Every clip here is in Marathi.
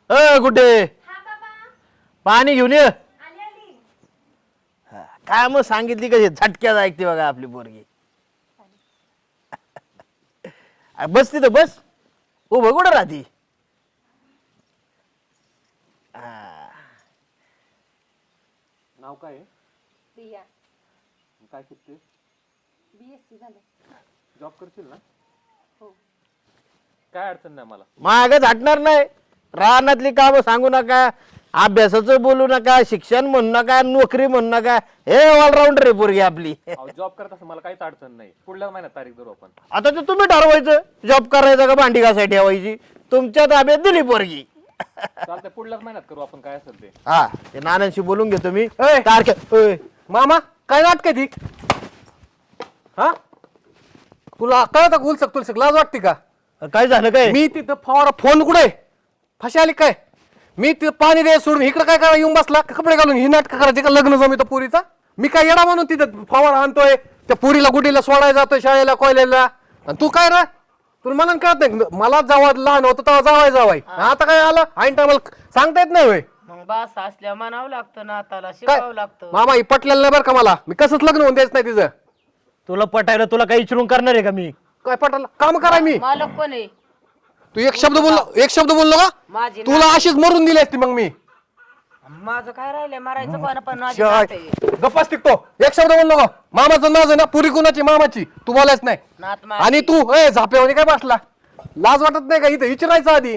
कुठे हा बाबा पाणी घेऊन ये. आली आली. काय मग सांगितली कशी झटक्यात ऐकते बघा आपली पोरगी. बस तिथं बस. उभं कुठं राहती. नाव काय आहे? प्रिया. काय शिकते? BSc झालं. जॉब करशील ना? हो. काय अडचण नाही मला. मागच हटणार नाही. रानातली कामं सांगू नका, अभ्यासाचं बोलू नका, शिक्षण म्हणू नका, नोकरी म्हणू नका. हे ऑलराऊंडर आहे पोरगी आपली. जॉब करत असं मला काहीच अडचण नाही. पुढल्या महिन्यात तारीख धरू आपण. आता ते तुम्ही ठरवायचं जॉब करायचा का भांडी घासायला ठेवायची. तुमच्या ताब्यात दिली पोरगी. चालतंय, पुढल्याच महिन्यात करू आपण काय असेल ते. हा ते नानांशी बोलून घेतो मी. ए! तारखे मामा काय नाटक ती? हा तुला कळत उलसक तुलसक लाज वाटते का? काय झालं काय? मी तिथं फवारा फोन कुठे फशी आली काय? मी तिथं पाणी दे सोडून इकडे काय करा येऊन बसला कपडे घालून ही नाटक करायची का? लग्न जमित पुरीचा मी काय येडा म्हणून तिथं फवारा आणतोय त्या पुरीला गुडीला सोडायला जातोय शाळेला कॉलेजला. आणि तू काय रा तुला मला कळत नाही. मला जेव्हा लहान होतं तेव्हा जावाय आता काय आलं ऐन टायमाला सांगता येत नाही होय. मग बास असल्या म्हणावं लागतं ना आताला काय शिकावं लागतं. मामा ही पटलेलं नाही बरं का मला. मी कसंच लग्न होऊन द्यायचं नाही तिचं. तुला पटायला तुला काही इचरून करणार आहे का मी? काय पटलं काम कराय मी. मालक कोण आहे? तू एक शब्द बोललो का माझी तुला अशीच मरून दिली असती मग मी. माझं काय राहिलंय मारायचं कोण पण माझी शाय. नात आहे. गप्पाच टिकतो एक शब्द बोललो का? मामाचं नाव आहे ना पुरी कुणाची मामाची तू बोलायच नाही. नात माझी. आणि तू झापेवानी काय बसला लाज वाटत नाही का? इथं विचारायचं आधी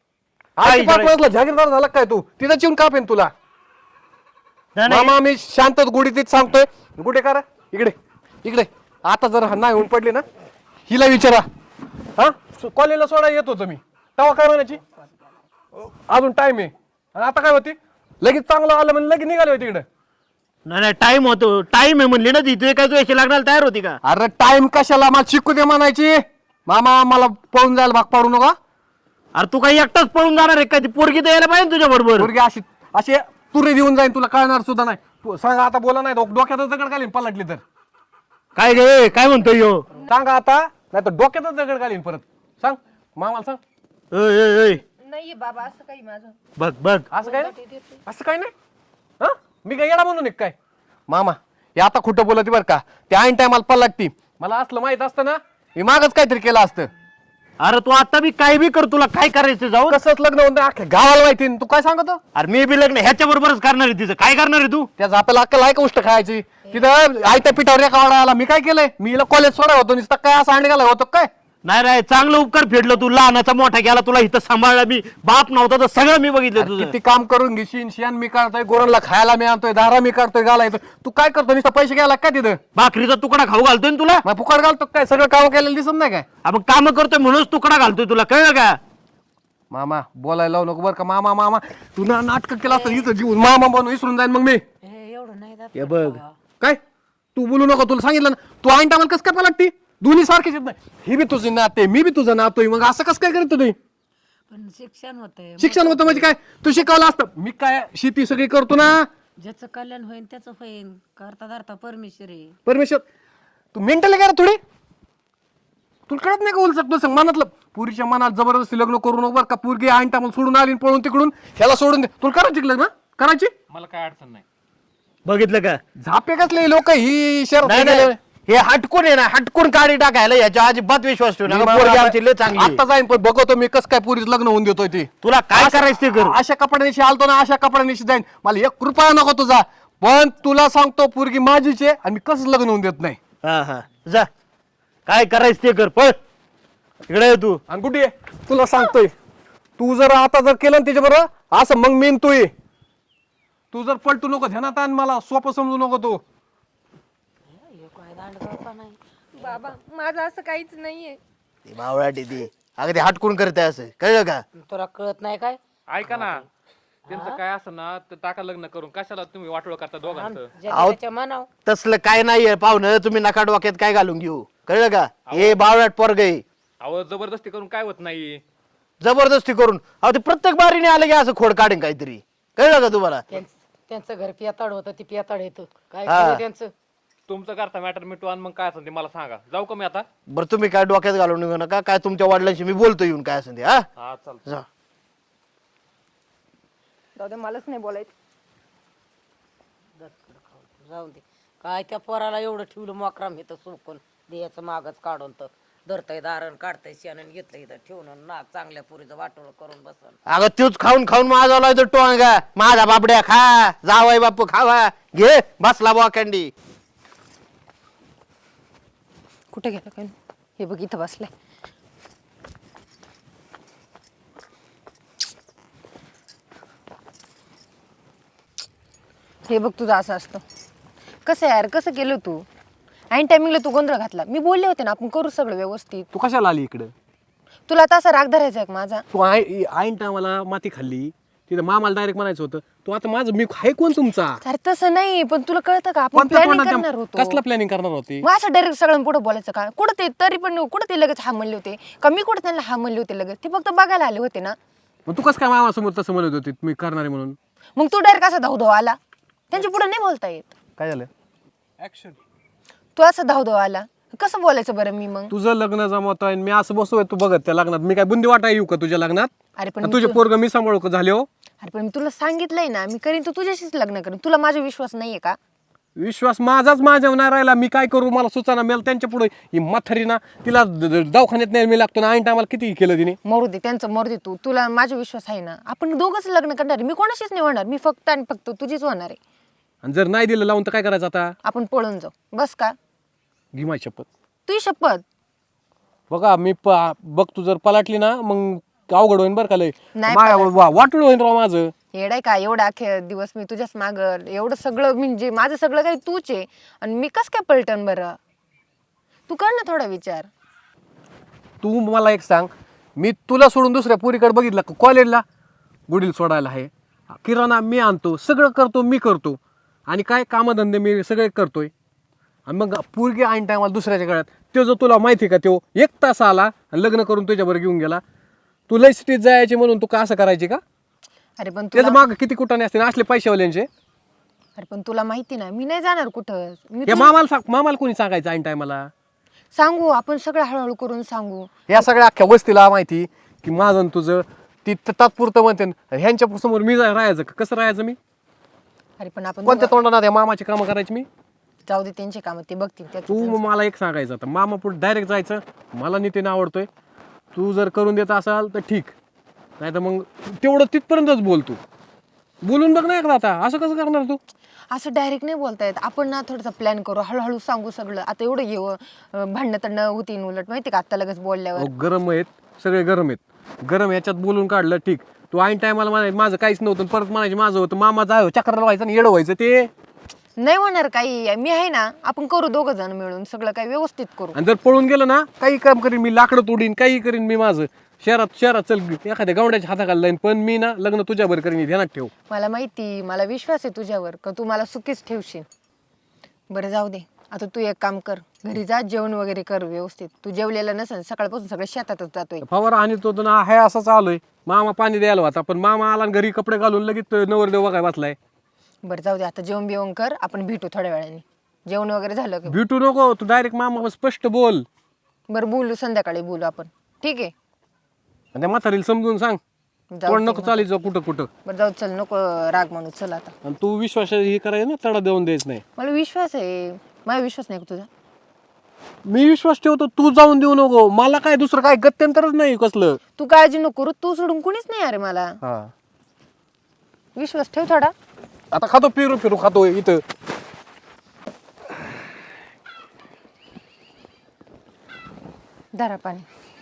जागीरदार झाला काय तू? तिथं चिवून कापेन तुला. नाही, नाही. मामा मी शांत गुढीतीत सांगतोय. गुढे करा इकडे इकडे. आता जर नाही होऊन पडली ना हिला विचारा. हा कॉलेजला सोडायला येत होतो मी तेव्हा काय म्हणायची अजून टाइम आहे. आणि आता काय होती लगेच चांगलं आलं म्हणजे लगेच निघाले होते तिकडे. नाही टाइम होतो. टाइम आहे म्हणली ना ती. तुझे काय तू याची लागणार तयार होती का? अरे टाइम कशाला मला शिकू दे म्हणायची. मामा मला पळून जायला भाग पाडू नका. अरे तू काही एकटाच पळून जाणार आहे का? ती पोरगी तर यायला पाहिजे तुझ्या बरोबर. पोरगी अशी अशी तुरे देऊन जाईन तुला कळणार सुद्धा नाही. सांगा आता बोला नाही डोक्यातच दगड घालीन पलटली तर. काय गे काय म्हणतोय ह्यो? सांगा आता नाही तर डोक्यातच दगड घालीन परत. सांग मामाला सांग. ओय नाहीये बाबा असं काही माझं. बघ बघ. असं काय नाही? असं काय नाही. हा मी काय येडा म्हणून काय? मामा हे आता खोटं बोलती बरं का? ते ऐन टायमाला पलटती. मला असलं माहित असतं ना मी मागच काहीतरी केलं असतं. अरे तू आता बी काय बी कर. तुला काय करायचं जाऊ. कसंच लग्न होतं अख्ख्या गावाला माहिती. तू काय सांगतो? अरे मी बी लग्न ह्याच्या बरोबरच करणार आहे. तिचं काय करणार आहे तू? त्याचा आपल्याला अक्कल आहे का गोष्ट खायची? तिथं आयत्या पिठावर एका वाडा आला. मी काय केलंय? मी कॉलेज सोडा होतो नुसतं काय असं आणले होतो काय? नाही रे चांगलं उपकार फेडलं तू. लहानाचा मोठा केला. तुला इथं सांभाळला मी. बाप नव्हता तर सगळं मी बघितलं तुझं. किती काम करून घेशील. शेण मी काढतोय गोरांना खायला मी आणतोय दारा मी काढतोय घालायचं. तू काय करतो नुसतं पैसे घ्यायला काय तिथं? भाकरीचा तुकडा खाऊ घालतोय ना तुला. मग फुकट घालतो काय? सगळं काम केलेलं दिसत नाही काय? मग काम करतोय म्हणूनच तुकडा घालतोय. तुला कळलं का? मामा बोलायला लावू नको बरं का? मामा मामा तू ना नाटक केलं असतं इथं जीवन मामा बनून विसरून जाईन मग मी. एवढं नाही जात. हे बघ काय तू बोलू नको. तुला सांगितलं ना तू ऐन टायमाला कसं काय पलटती? दोन्ही सारखेच येत नाही. ही बी तुझी नाते मी बी तुझं नातोय. मग असं कसं काय करत तुम्ही? पण शिक्षण होतंय. शिक्षण होतं म्हणजे काय? तू शिकवलं असतं. मी काय शेती सगळी करतो ना. ज्याचं कल्याण होईल त्याचं होईल. करता धरता परमेश्वर आहे. परमेश्वर तू मेंटल काय रे थोडी? तुला कळत नाही का? बोलू शकतो मनातलं पुरीच्या मनात जबरदस्ती लग्न करू नको बरं का? पोरगी ऐन टायमाला सोडून आली पळून तिकडून ह्याला सोडून दे. तुला करायची लग्न करायची? मला काय अडचण नाही. बघितलं का? झापे कसले लोक ही नाही, नाही. हे हटकून आहे ना. हटकून काढी टाकायला याच्या अजिबात विश्वास ठेवू नका. पोरगी आमची लय चांगली आहे. आता जाईन पण बघतो मी कसं काय पुरीच लग्न होऊन देतोय ते. तुला काय करायचं ते कर. अशा कपड्यानिशी आलतो ना अशा कपड्यानिशी जाईन. मला 1 रुपया नको तुझा. पण तुला सांगतो पोरगी माझीच आहे आणि मी कसं लग्न होऊन देत नाही. हा हा जा. काय करायचं ते कर. पळ इकडे ये तू. आणि कुठे तुला सांगतोय तू जर आता जर केलं त्याच्या बरोबर असं मग मी तू ये. तू जर पलटू नको ध्यानात आण. मला सोपं समजू नको तू. काय दांडगावपणा नाही. बाबा माझं असं काहीच नाहीये. ती मावळाटी ती अगं ते हटकून करते असं. कळलं का? तुला कळत नाही काय? ऐका ना, त्यांचं काय असं ना तर टाका लग्न करून. कशाला तुम्ही वाटोळ करता दोघांचं? ज्याच्या मनाव. तसलं काय नाहीये पाहुणं. तुम्ही नका डोक्यात काय घालून घेऊ. कळलं का? हे बावळाट पोरग आहे. अहो जबरदस्ती करून काय होत नाही. जबरदस्ती करून. अहो ते प्रत्येक बारीने आलं की असं खोड काढेन काहीतरी. कळलं का तुम्हाला? त्यांचं घर पियाताड होतं ती पियाताड येतो काय हा. केलं त्यांचं. तुमचं करता मॅटर मिटू आणि मग काय असेल ते मला सांगा. जाऊ का मी आता? बरं तुम्ही काय डोक्यात घालून घेऊ नका. काय तुमच्या वडिलांशी मी बोलतो येऊन काय असेल ते. हा हा चालतं. जा. जाऊ दे मलाच नाही बोलायचं. जाऊ दे. काय त्या पोराला एवढं ठेवलं मोकराम इथं सोकून द्यायचं मागच काढून तर धरतय दारण काढतय शेणून घेतलं इथं ठेवून नाक चांगल्या पुरीचं वाटोळ करून बसन. अगं तूच खाऊन खाऊन माझा लावतो टोंगा. माझा बापड्या खा, जावाई बापू खावा, घे बसला बोकंडी. कुठे गेला काय हे बघ इथं बसलाय. हे बघ तुझं असं असतं. कसं यार कसं केलं तू? ऐन टायमिंगला तू गोंधळ घातला. मी बोलले होते ना आपण करू सगळं व्यवस्थित. तू कशाला आली इकडं? तुला आता असा राग धरायचा आहे का माझा? तू आईन टायमाला माती खाल्ली तिथं मामाला डायरेक्ट म्हणायचं होतं तू आता माझं मी आहे कोण तुमचा? अरे तसं नाही पण तुला कळतं का आपण कोणत्या प्लॅनिंग तोंडात करणार होतो. कसलं प्लॅनिंग करणार होती? मग असं डायरेक्ट सगळ्यांना पुढे बोलायचं का? कुठं ते तरी पण कुठं ते लगेच हा म्हणले होते का? मी कुठं त्यांना हा म्हणले होते लगेच? ते फक्त बघायला आले होते ना. मग तू कसं काय मामासमोर तसं म्हणत होती मी करणार आहे म्हणून? मग तू डायरेक्ट असा धावधव आला. त्यांच्या पुढे नाही बोलता येत. काय झालं? ऍक्शन. तू असं धावधव आला कसं बोलायचं बरं मी मग? तुझं लग्न जमवत आहे मी असं बसतोय तू बघत त्या लग्नात मी काय बुंदी वाटा येऊ का तुझ्या लग्नात? अरे पण का तुझे पोरग मी सांभाळू का झाले हो? अरे पण मी तुला सांगितलंय ना मी करीन तू तुझ्याशीच लग्न करीन. तुला माझा विश्वास नाहीये का? विश्वास माझाच माझ्यावर नाही राहिला. मी काय करू मला सुचाना मेल त्यांच्या पुढे ही म्हातारी ना तिला दवाखान्यात नाही मी लागतो ना ऐन टायमाला किती केलं तिने. मरू दे त्यांचं मरू दे. तुला माझा विश्वास आहे ना. आपण दोघंच लग्न करणार आहे. मी कोणाशीच नाही होणार. मी फक्त आणि फक्त तुझीच होणार आहे. आणि जर नाही दिलं लावून तर काय करायचं आता? आपण पळून जाऊ बस का? घे माझी शपथ. तुझी शपथ. बघा मी बघ तू जर पलाटली ना मग अवघड होईन बरं का लय. नाही वाटूळ होईन राव माझं. येडाय का? एवढा अखे दिवस मी तुझ्याच माग एवढं सगळं म्हणजे माझं सगळं काही तूच आहे आणि मी कस काय पलटन बरं? तू कर ना थोडा विचार. तू मला एक सांग मी तुला सोडून दुसऱ्या पोरीकडे बघितलं का? कॉलेजला गुडील सोडायला आहे, किराणा मी आणतो, सगळं करतो मी करतो आणि काय कामधंदे मी सगळे करतोय आणि मग पोरगी ऐन टायमाला दुसऱ्याच्या गळ्यात. तो जो तुला माहिती आहे का तो 1 तास आला आणि लग्न करून तुझ्याबरोबर घेऊन गेला. तू लय सिटीत जायचे म्हणून तू का असं करायची का? अरे पण त्याचं तुला माग किती कुठाने असते असले पैशावाल्यांचे. अरे पण तुला माहिती ना मी नाही जाणार कुठं. मी या मामाला कोणी सांगायचं ऐन टायमाला? सांगू आपण सगळं हळूहळू करून सांगू. या सगळ्या अख्ख्या वस्तीला माहिती की माझं आणि तुझं ती तात्पुरतं म्हणते. ह्यांच्या समोर मी राहायचं का? कसं राहायचं मी? अरे पण आपण कोणत्या तोंडाने या मामाची कामं करायची मी? जाऊ दे त्यांचे काम ते बघतील. तू मला एक सांगायचं आता मामा पुढे डायरेक्ट जायचं. मला नितीन आवडतोय. तू जर करून देत असाल तर ठीक, नाही तर मग तेवढं तिथपर्यंतच बोल. तू बोलून बघ ना एकदा. आता असं कसं करणार तू? असं डायरेक्ट नाही बोलता येत. आपण ना थोडासा प्लॅन करू, हळूहळू सांगू सगळं. आता एवढं येऊ भांडणं तंडणं होतीन उलट माहिती का? आता लगेच बोलल्यावर गरम आहेत सगळे, गरम आहेत. गरम याच्यात बोलून काढलं ठीक. तू ऐन टायमाला म्हणायचं माझं काहीच नव्हतं परत म्हणायचे माझं होतं. मामा जाय चक्राला व्हायचं आणि येडं व्हायचं ते नाही होणार काही. मी आहे ना. आपण करू दोघं जण मिळून सगळं काही व्यवस्थित करू. आणि जर पळून गेलं ना काही काम करीन मी, लाकडं तोडीन, काही करीन मी माझं. शहरात चल एखाद्या गावड्याच्या हाताखाली लाईन पण मी ना लग्न तुझ्यावर करीन. ध्यानात ठेव. मला माहिती, मला विश्वास आहे तुझ्यावर का तू मला सुखीच ठेवशील. बरं जाऊ दे. आता तू एक काम कर, घरी जा जेवण वगैरे कर व्यवस्थित. तू जेवलेलं नसेल सकाळपासून सगळं शेतातच जातोय. फवारा आणि तो ना हे असं चालूय. मामा पाणी द्यायला होता पण मामा आला आणि घरी कपडे घालून लगेच नवरदेव बघाय बसलाय. बरं जाऊ दे. आता जेवण बिवण कर, आपण भेटू थोड्या वेळाने. जेवण वगैरे झालं की भेटू नको तू डायरेक्ट मामा स्पष्ट बोल. बरं बोलू, संध्याकाळी बोलू आपण. ठीक आहे. आणि त्या म्हातारीला समजून सांग जाऊ कोण नको चालायचं कुठं कुठं. बरं जाऊ चल, नको राग मानू. चल आता. आणि तू विश्वास हे करायचं ना तडा देऊन द्यायचं नाही. मला विश्वास आहे. माझा विश्वास नाही का तुझा? मी विश्वास ठेवतो तू जाऊन देऊ नको. मला काय दुसरं काय गत्यंतरच नाही कसलं. तू काळजी नको करू. तू सोडून कुणीच नाही अरे मला. हा विश्वास ठेव थोडा. आता खातो फिरू खातो इथं. धरा पाणी.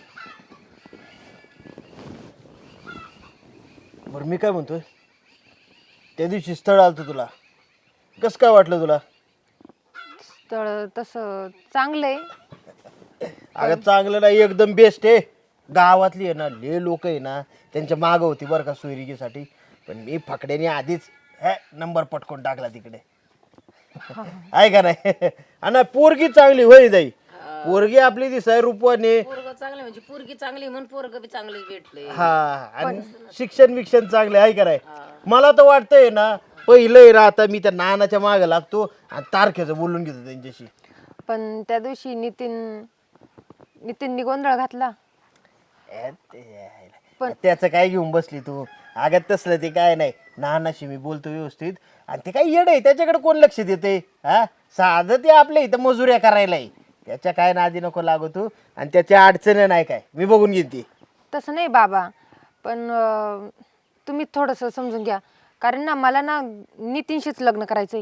बरं मी काय म्हणतोय, त्या दिवशी स्थळ आलतं तुला, कसं काय वाटलं तुला? स्थळ तसं चांगलं आहे. अगं चांगलं नाही, एकदम बेस्ट आहे. गावातली आहे ना ले लोक आहे ना त्यांच्या मागं होती बरं का सोयरिकीसाठी. पण मी फकड्याने आधीच नंबर पटकून टाकला तिकडे. आहे का नाही? आणि पोरगी चांगली होई जाई. पोरगी आपली दिसाय रूपवाने. पोरग चांगले म्हणजे पोरगी चांगली म्हणून पोरग बी चांगले भेटले. हा आणि शिक्षण चांगले आहे का नाही? मला तर वाटतंय ना पहिलं ना आता मी त्या नानाच्या मागे लागतो आणि तारखेचं बोलून घेतो त्यांच्याशी. पण त्या दिवशी नितीननी गोंधळ घातला. पण त्याचं काय घेऊन बसली तू? अगं तसलं ते काय नाही, नानाशी मी बोलतो व्यवस्थित, आणि ते काय येड आहे त्याच्याकडे कोण लक्ष देते? हा, साधं ते आपल्या इथं मजुऱ्या करायला आहे. त्याच्या काय नादी नको लागू तू, आणि त्याच्या अडचण नाही काय, मी बघून घेईन ती. तसं नाही बाबा, पण तुम्ही थोडंसं समजून घ्या, कारण ना मला ना नितीनशीच लग्न करायचंय.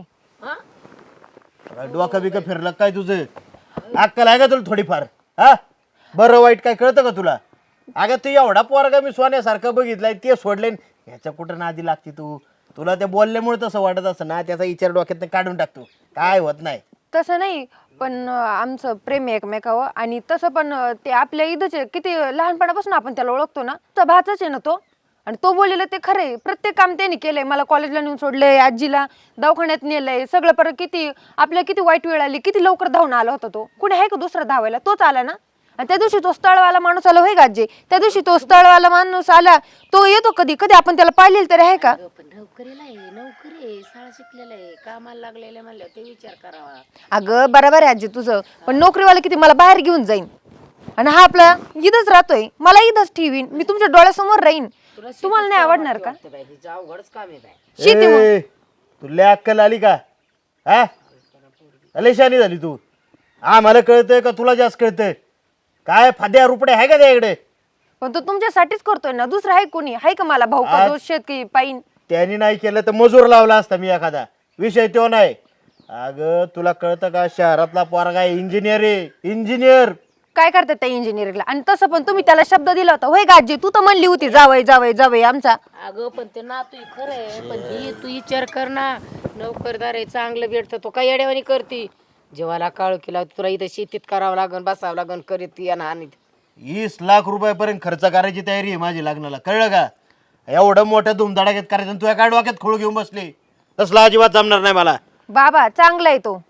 काय डोकं बिकं फिरलं काय तुझं? अक्कल आहे का तुला थोडीफार? हा, बरं वाईट काय कळतं का तुला? अगं तू एवढा पोरगा मी सोन्यासारखं बघितलाय, ते सोडले, ह्याच्या कुठं नादी लागते तू? तुला ते बोलल्यामुळे तसं वाटत असं ना, त्याचा विचार डोक्यात काढून टाकतो, काय होत नाही. तसं नाही, पण आमचं प्रेम आहे एकमेकावर, आणि तसं पण ते आपल्या इथंच आहे, किती लहानपणापासून आपण त्याला ओळखतो ना, तर भाचाच आहे ना तो. आणि तो बोललेला ते खरंय, प्रत्येक काम त्याने केलंय. मला कॉलेजला नेऊन सोडलंय, आजीला दवाखान्यात नेलंय, सगळं. परत किती आपल्याला किती वाईट वेळ आली, किती लवकर धावून आला होता तो. कुठे आहे का दुसरा धावायला? तोच आला ना. आणि त्या दिवशी तो स्थळवाला माणूस आला, होय गाजे, त्या दिवशी तो स्थळवाला माणूस आला, तो येतो कधी कधी आपण त्याला पाहिलेलं तरी आहे का? पण नोकरीला आहे, नोकरी आहे, शाळा शिकलेला आहे, कामाला लागलेलं म्हणलं ते विचार करावा. अगं बरोबर आहे आजी तुझं, पण नोकरीवाला किती मला बाहेर घेऊन जाईन, आणि हा आपला इथंच राहतोय, मला इथंच ठेवीन, मी तुमच्या डोळ्यासमोर राहीन. तुम्हाला नाही आवडणार का? हिचं अवघडच काम आहे बाई. शेती मग. ए, तुला अक्कल आली का? हा, लय शहाणी झाली तू. मला कळतंय का तुला जास्त कळतंय? काय फाद्या रुपडे आहे का त्याकडे? पण तो तुमच्यासाठीच करतोय ना, दुसरं आहे कोणी? आहे का मला भाऊ का जो शेतकरी पाईन? त्यांनी नाही केलं तर मजूर लावला असता मी एखादा, विषय तो नाही. अगं तुला कळतं का, शहरातला पोरगा इंजिनियर आहे, इंजिनियर. काय करतात त्या इंजिनिअरिंगला? आणि तसं पण तुम्ही त्याला शब्द दिला होता, होय गाजी, तू तर म्हणली होती जावय जावय जावय आमचा. अगं पण ते ना तू खरं आहे, पण ही तू विचार कर ना, नोकरदार आहे, चांगलं भेटतं, तो काय येड्यावानी करती? जेव्हाला काळू केला तुला इथं शेतीत करावं लागन, बसावं लागन, करीत या आणि 20 लाख रुपयापर्यंत खर्च करायची तयारी आहे माझी लग्नाला, कळलं का? एवढं मोठ्या धुमधडाक्यात करायचं आणि तुझ्या काय डोक्यात खोळ घेऊन बसले, तसला अजिबात जमणार नाही मला. बाबा चांगला आहे तो.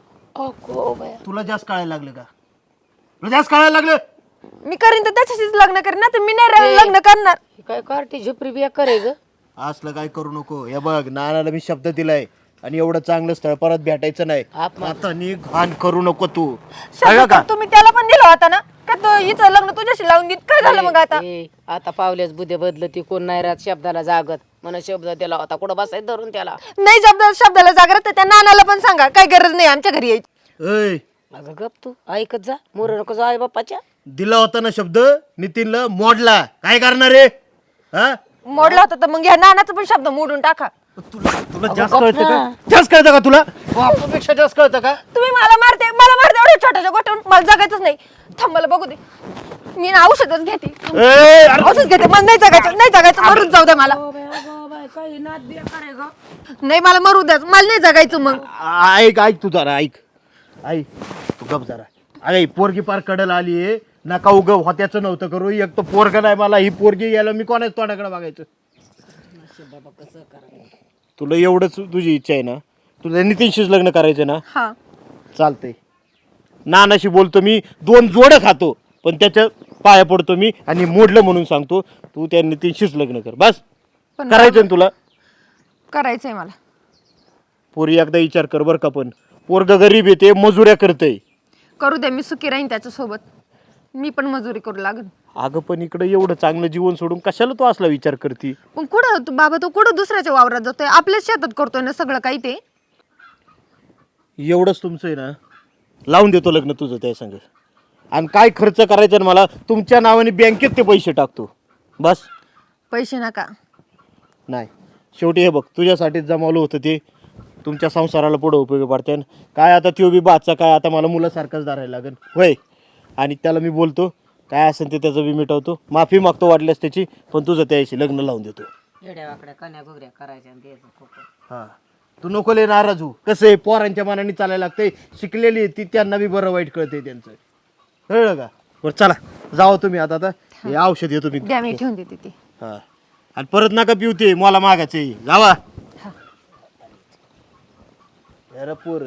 तुला जास्त कळायला लागलं का? तुला जास्त कळायला लागलं? मी करीन तर त्याच्याशीच लग्न करीन ना, तर मी नाही लग्न करणार. काय कार्टी झुपरी बिया करे ग. असलं काय करू नको. हे बघ, नानाला मी शब्द दिलाय, आणि एवढं चांगलं स्थळ परत भेटायचं नाही. आता नी घाण करू नको तू, कळलं का? तुम्ही त्याला पण दिला होता ना, का तो हिचं लग्न तुझ्याशी लावून देईन? काय झालं मग आता? आता पावल्याच बुद्धे बदलती, कोण नाही राहत शब्दाला जागत. म्हणून शब्द दिला होता, कुठं बसायचं धरून त्याला. नाही शब्दाला जागृत तर त्या नानाला पण सांगा, काय गरज नाही आमच्या घरी यायची. ऐ, अगं गप तू ऐकत जा, मोर नको जा आई बाप्पाच्या. दिला होता ना शब्द, नितीनला मोडला, काय करणार रे? हा, मोडला होता तर मग ह्या नानाचा पण शब्द मोडून टाका. तुला जास्त कळतं का? जास्त कळतं का तुला? बापापेक्षा जास्त कळतं का? तुम्ही मला मारते एवढ्या छोट्याच्या गोष्टीवरून. मला जगायचंच नाही. थांब, मला बघू दे, मी ना औषधच घेते. ए, अरे, औषध घेते, मला नाही जगायचं, मरून जाऊ द्या मला. नाही, मला मरू द्या, मला नाही जगायचं मग. ऐक तू जरा, ऐक तू गप जरा. अरे पोरगी पार कडल आली आहे, नका उग होत्याचं नव्हतं करू. एक तर पोरग नाही मला, ही पोरगी यायला मी कोणाच तोंडाकडे बघायचं? तुला एवढंच तुझी इच्छा आहे ना, तुला नितीनशीच लग्न करायचं ना? हा, चालतंय. नानाशी बोलतो मी, 2 जोडं खातो, पण त्याच्या पाया पडतो मी, आणि मोडलं म्हणून सांगतो, तू त्या नितीनशीच लग्न कर बस. पण करायचं ना तुला? करायचंय मला. पोरी एकदा विचार कर बरं का, पण पोरग गरीब येते, मजुऱ्या करतय. करू दे, मी सुखी राहीन त्याच्यासोबत. मी पण मजुरी करू लागेल. अगं पण इकडे एवढं चांगलं जीवन सोडून कशाला तू असला विचार करती? पण कुठं तू बाबा, तो कुठं दुसऱ्याच्या वावरात जातोय? आपल्याच शेतात करतोय ना सगळं काही. ते एवढंच तुमचं आहे ना, लावून देतो लग्न तुझं त्या संग. आणि काय खर्च करायचा ना, मला तुमच्या नावाने बँकेत ते पैसे टाकतो बस. पैसे नका. नाही, शेवटी हे बघ, तुझ्यासाठीच जमावलं होतं ते, तुमच्या संसाराला पुढं उपयोगी पडते. काय आता त्यो बी बादचा काय, आता मला मुलासारखंच धरायला लागेल होय. आणि त्याला मी बोलतो, काय असेल ते त्याचं बी मिटवतो, माफी मागतो वाटल्यास त्याची, पण तुझं त्याशी लग्न लावून देतो. येड्या वाकड्या कन्या गुगऱ्या करायच्या आणि द्यायचं खूप. हां, तू नको लय नाराज हो. कसं आहे, पोरांच्या मनाने चालायला लागतंय. शिकलेली आहे ती, त्यांना बी बरं वाईट कळतंय त्यांचं, कळलं का? बरं चला, जाओ तुम्ही आता हे औषध येतो मी. द्या, मी ठेवून देते ते. हां, आणि परत नका पिवते, मला मागायचं जावा. अरे पोर,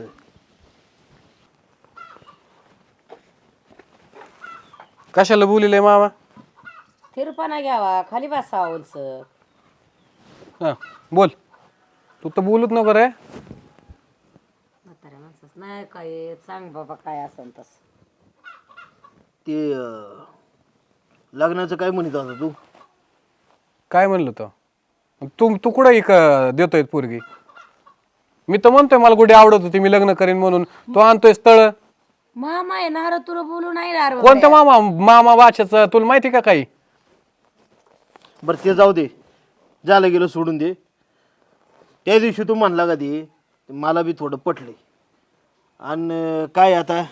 कशाला बोलिले मामा? थिरपाना घ्यावा, खाली बसा उंच. हा बोल. तू तर बोलूच नको रे. म्हाताऱ्या माणसाच नाही काय, सांग बाबा काय असन तस. ते लग्नाचं काय म्हणत होता तू? काय म्हणलं तो? तू तू कुठं देतोय पोरगी? मी तर म्हणतोय मला गुढी आवडत होती, मी लग्न करीन म्हणून. तू आणतोय स्थळ. मामा येणार तुला बोलू नाही येणार कोणत्या मामा? मामा भाषेचं तुला माहिती का काही? बरं ते जाऊ दे, झालं गेलं सोडून दे. त्या दिवशी तू म्हणला का ते मला बी थोडं पटले. आणि काय आता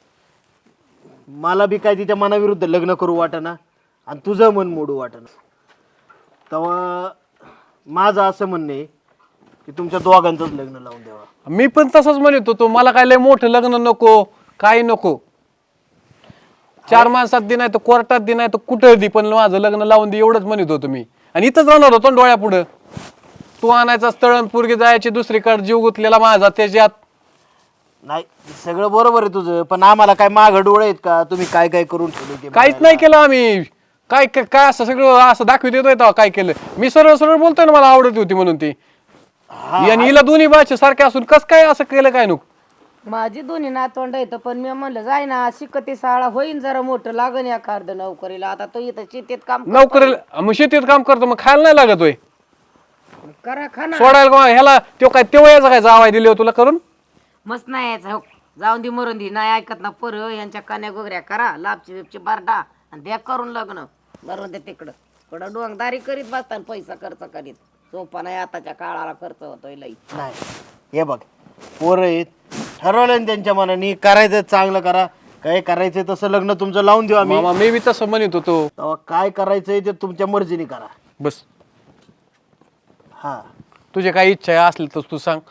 मला बी काय तिच्या मनाविरुद्ध लग्न करू वाटेना आणि तुझं मन मोडू वाटेना. तेव्हा माझं असं म्हणणं आहे की तुमच्या दोघांचंच लग्न लावून द्यावा. मी पण तसंच म्हणत होतो, मला काय लय मोठं लग्न नको, काही नको. 4 माणसात दे नाही तर कोर्टात दे नाही तर कुठं दे, पण माझं लग्न लावून दे एवढंच म्हणत होतो मी. आणि इथंच राहणार होतो ना डोळ्यापुढं. तू आणायचा स्थळ पोरगी जायची दुसरीकडे, जीव गुंतलेला माझा त्याच्यात. नाही सगळं बरोबर आहे तुझं, पण आम्हाला काय मागं डोळे आहेत का तुम्ही काय काय करून ठेवले ते काहीच नाही केलं आम्ही. काय काय असं सगळं असं दाखवित येतोय तेव्हा काय केलं? मी सरळ सरळ बोलतोय ना, मला आवडत होती म्हणून ती. आणि हिला दोन्ही भाषे सारखे असून कस काय असं केलं काय नको? माझी दोन्ही नातवंड येतं, पण मी म्हणलं जाय ना शिकते शाळा होईन जरा मोठं लागन या कार्ड नोकरीला. आता तो इथं शेतीत काम नोकरीला मग शेतीत काम करतो, मग खायला नाही लागत होय? करा खाना सोडायला का ह्याला तो काय तेव्हा याचा काय जावाय दिले तुला करून? मस्त नाही यायचं हो. जाऊन दे मरून दे, नाही ऐकत ना पर यांच्या कान्या गोगऱ्या करा, लापची बिपची बारडा आणि द्या करून लग्न. मरून दे तिकडं कडं डोंगदारी करीत बसताना पैसा खर्च करीत. सोपा नाही आताच्या काळाला खर्च होतोय लई. नाही. हे बघ पोरं आहेत, ठरवलं ना त्यांच्या मनाने करायचं चांगलं करा, काय करायचंय तसं लग्न तुमचं लावून देऊ आम्ही. मामा मी बी तसं म्हणत होतो. तेव्हा काय करायचंय ते तुमच्या मर्जीने करा. बस हा तुझे काही इच्छा आहे असली तर तू सांग.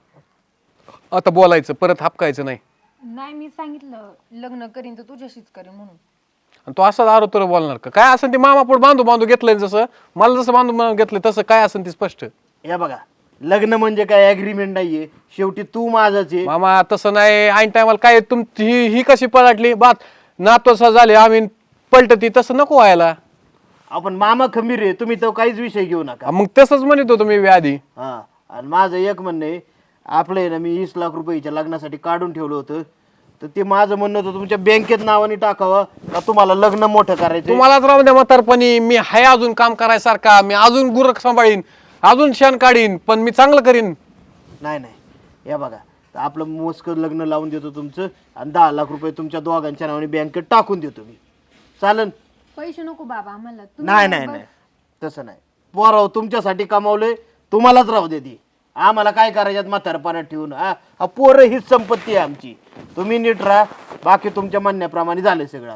आता बोलायचं परत हापकायचं नाही. नाही मी सांगितलं लग्न करीन तर तुझ्याशीच करीन म्हणून. आणि तो असाच आरो तर बोलणार का? काय असेल ते मामा पुढे बांधू बांधू घेतलंय, जसं मला जसं बांधू घेतलंय तसं काय असेल ते स्पष्ट. हे बघा लग्न म्हणजे काय ऍग्रीमेंट नाहीये, शेवटी तू माझाच आहे. मामा तसं नाही. ऐन टायमाला काय तुमची ही कशी पलटली बात नातोसा झाले आम्ही पलटती, तसं नको व्हायला. आपण मामा खंबीर आहे, तुम्ही तो काहीच विषय घेऊ नका. मग तसंच म्हणत होतो मी आधी. हा आणि माझं एक म्हणणं आहे, आपलं आहे ना मी 20 लाख रुपयाच्या लग्नासाठी काढून ठेवलं होतं, तर ते माझं म्हणणं होतं तुमच्या बँकेत नावाने टाकावं का तुम्हाला लग्न मोठं करायचं. तुम्हालाच राहू द्या म्हातारपणी, मी हाय अजून काम करायसारखा, मी अजून गुरख सांभाळीन, अजून शेण काढीन, पण मी चांगलं करीन. नाही नाही या बघा आपलं मोजकं लग्न लावून देतो तुमचं आणि 10 लाख रुपये तुमच्या दोघांच्या नावाने बँकेत टाकून देतो मी. चालन? पैसे नको बाबा आम्हाला. नाही नाही नाही तसं नाही. पोराव तुमच्यासाठी कमावलंय, तुम्हालाच राहू दे ती. आम्हाला काय करायच्यात म्हातारपणात ठेवून. हा पोरं हीच संपत्ती आहे आमची. तुम्ही नीट राहा, बाकी तुमच्या म्हणण्याप्रमाणे झाले सगळं.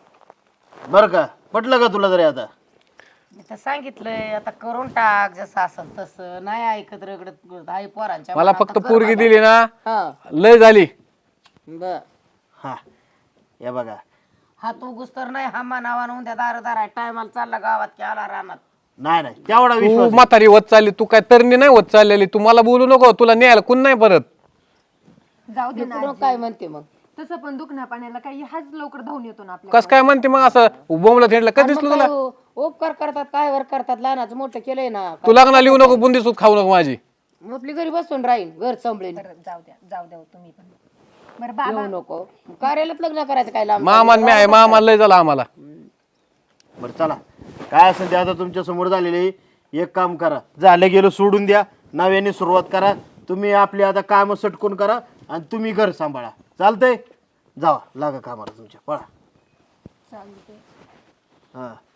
बरं का? पटलं का तुला तरी आता? मी तर सांगितलंय आता करून टाक जसं असेल तसं. नाही ऐकत रगडत आई पोरांच्या मला मनात फक्त तर पोरगी बाबा. दिली ना हा लय झाली. बर हा या बघा हा तू गुस्तर नाही हा मानावान उद्या दार टायमाला चालला गावात की आला रानात. नाही नाही तेवढा तू विश्वास म्हातारी होत चालली, तू काय तरणी नाही होत चाललेली. तू मला बोलू नको, तुला न्यायला कोण नाही परत. जाऊ दे ना इकडून आजी. काय म्हणते मग? तसं पण दुखण्या पाण्याला काही हाच लवकर धावून येतो ना आपल्या. कस काय म्हणते मग असं बोंबला थेडलं कधी दिसलं तुला? उपकार करतात काय वर करतात, लहानाचं मोठं केलंय ना. तू लग्नाला येऊ नको, बुंदी सूत खाऊ नको माझी. मग आपली घरी बसून राहील, घर सांभाळीन. जाऊ द्या तुम्ही पण. बरं बाबा येऊ नको कार्यालयात लग्न करायचं काय लांब. मामा मी आहे, मामा लय झाला आम्हाला. बरं चला काय असेल ते आता तुमच्या समोर झालेले. एक काम करा, झालं गेलं सोडून द्या, नव्याने सुरुवात करा. तुम्ही आपली आता कामं सटकून करा आणि तुम्ही घर सांभाळा. चालतंय? जावा लागा कामाला तुमच्या, पळा. चालते. हां